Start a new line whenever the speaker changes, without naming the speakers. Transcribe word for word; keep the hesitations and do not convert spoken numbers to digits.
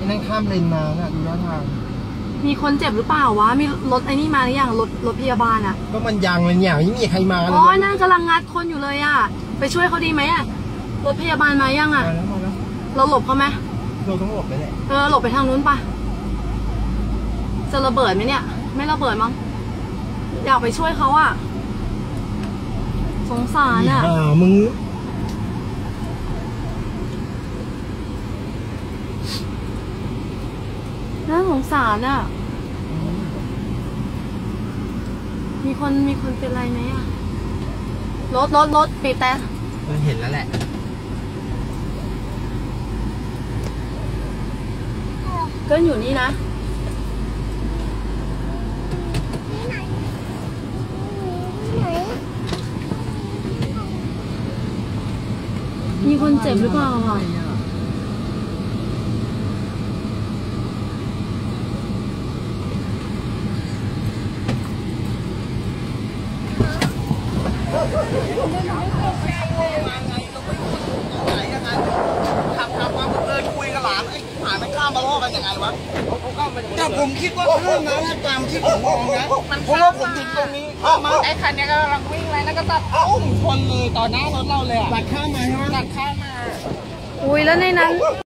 นั่งข้ามเลนมาน่ะดูท่าทาง
มีคนเจ็บหรือเปล่าวะมีรถไอ้นี่มาหรือยังรถรถพยาบาลอ่ะ
ก็มันยังเลยเนี่ยไม่มีใครมาเลย
อ๋อนั่นกำลังงัดคนอยู่เลยอ่ะไปช่วยเขาดีไหมอ่ะรถพยาบาลมายังอ่ะเราหลบเขาไหม
เราต้องหลบไปแหละ
เออหลบไปทางนู้นปะจะระเบิดไหมเนี่ยไม่ระเบิดมั้งอยากไปช่วยเขาอ่ะสงสารอ่ะ
มึง
น่าสงสารอ่ะมีคนมีคนเป็นไรไหมอ่ะรถรถรถปีแต่
เห็นแล้วแหละ
ก็อยู่นี่นะมีคนเจ็บหรือเปล่าอ่ะ
ขับขับมาเดินคุยกับหลานไอ้หลานมันข้ามมาล่อกันยังไงวะแต่ผมคิดว่าข้ามมาแล้วตามที่ผมมองนะเพราะว่าผมถึงตรงนี้ข้ามมาไอ้คันนี้กำลังวิ่งเลยแล้วก็ตัดอ้มชนเลยต่อหน้ารถเราเลยอ่ะตัดข้ามมาใช่ไหมตัดข้ามมา
อุ้ยแล้วในนั้น